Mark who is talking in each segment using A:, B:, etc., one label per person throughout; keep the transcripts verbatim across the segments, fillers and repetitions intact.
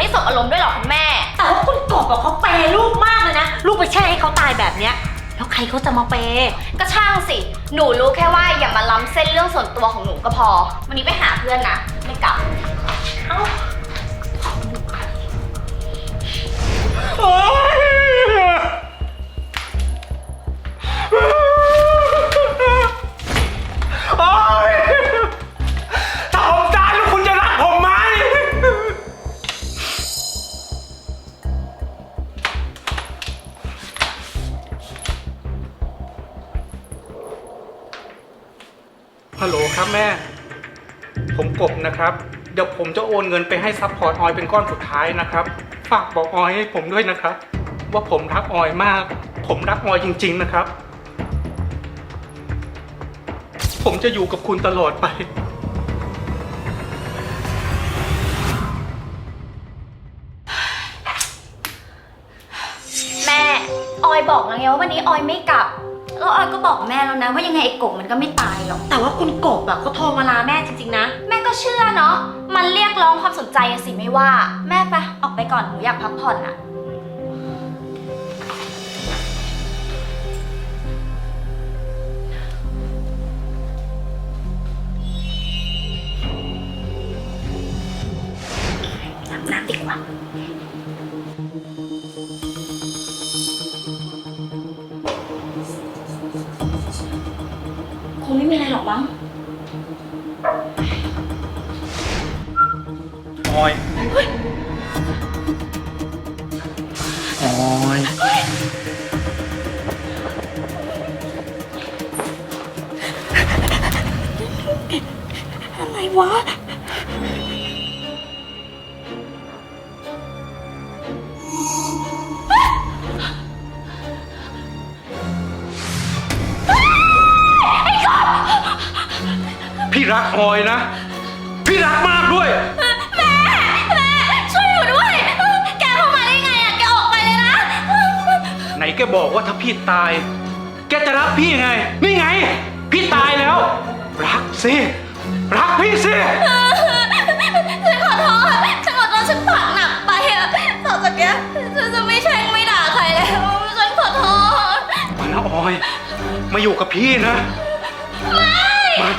A: สบอารมณ์ด้วยหรอคุณแม่
B: แต่ว่าคุณกบบอกเขาเปย์ลูกมากเลยนะลูกไปแช่ให้เขาตายแบบเนี้ยแล้วใครเขาจะมาเปย์
A: ก็ช่างสิหนูรู้แค่ว่าอย่ามาล้ำเส้นเรื่องส่วนตัวของหนูก็พอวันนี้ไปหาเพื่อนนะไม่กลับเอ้า
C: โอ๊ยโอ๊ยถ้าผมตายแล้วคุณจะรักผมไหมฮัลโหลครับแม่ผมกบนะครับเดี๋ยวผมจะโอนเงินไปให้ซัพพอร์ตออยเป็นก้อนสุดท้ายนะครับฝากบอกออยให้ผมด้วยนะครับว่าผมรักออยมากผมรักออยจริงๆนะครับผมจะอยู่กับคุณตลอดไป
A: แม่ออยบอกแล้วไงว่าวันนี้ออยไม่กลับแล้วออยก็บอกแม่แล้วนะว่ายังไงไอ้กบมันก็ไม่ตายหรอก
B: แต่ว่าคุณกบอะเขาโทรมาลาแม่จริงๆนะ
A: แม่ก็เชื่อเนาะมันเรียกร้องความสนใจอะสิไม่ว่าแม่ไปออกไปก่อนหนูอยากพักผ่อนอะอาบน้ำดีกว่าคงไม่มีอะไรหรอกมั้ง
C: ออยออย
B: อะไรวะ
C: พี่รักออยนะพี่รักมากด้วย
A: แม่แม่ช่วยหนูด้วยแกเข้ามาได้ไงอะแกออกไปเลยนะ
C: ไหนแกบอกว่าถ้าพี่ตายแกจะรักพี่ไงนี่ไงพี่ตายแล้วรักสิรักพี่สิ
A: ฉันขอโทษฉันขอโทษฉันปากหนักไปอะต่อจากนี้ฉันจะไม่แช่งไม่ด่าใครแล้วฉันขอโทษ
C: มานะออยมาอยู่กับพี่นะ
A: ไม่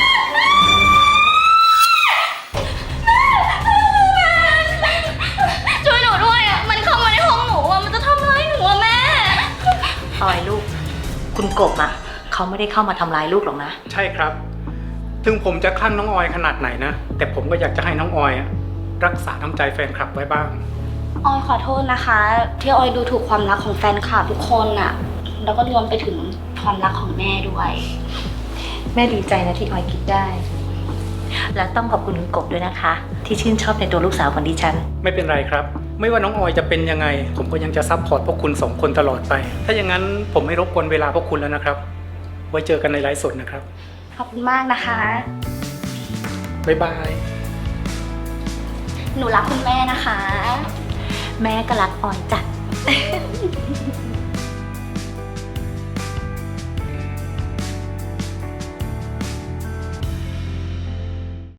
A: ช่วยหนูด้วยอะมันเข้ามาในห้องหนูอะมันจะทำร้ายหนูอะแม่
B: ออยลูกคุณกบอะเขาไม่ได้เข้ามาทำร้ายลูกหรอกนะ
C: ใช่ครับถึงผมจะคลั่งน้องออยขนาดไหนนะแต่ผมก็อยากจะให้น้องออยรักษาน้ำใจแฟนคลับไว้บ้าง
A: ออยขอโทษนะคะที่ออยดูถูกความรักของแฟนคลับทุกคนอะแล้วก็รวมไปถึงความรักของแม่ด้วย
B: แม่ดีใจนะที่ออยคิดได้และต้องขอบคุณคุณกบด้วยนะคะที่ชื่นชอบในตัวลูกสาวของดิฉัน
C: ไม่เป็นไรครับไม่ว่าน้องออยจะเป็นยังไงผมก็ยังจะซัพพอร์ตพวกคุณสองคนตลอดไปถ้าอย่างนั้นผมไม่รบกวนเวลาพวกคุณแล้วนะครับไว้เจอกันในไลฟ์สดนะครับ
A: ขอบคุณมากนะคะ
C: บ๊ายบาย
A: หนูรักคุณแม่นะคะ
B: แม่ก็รักออยจ้ะ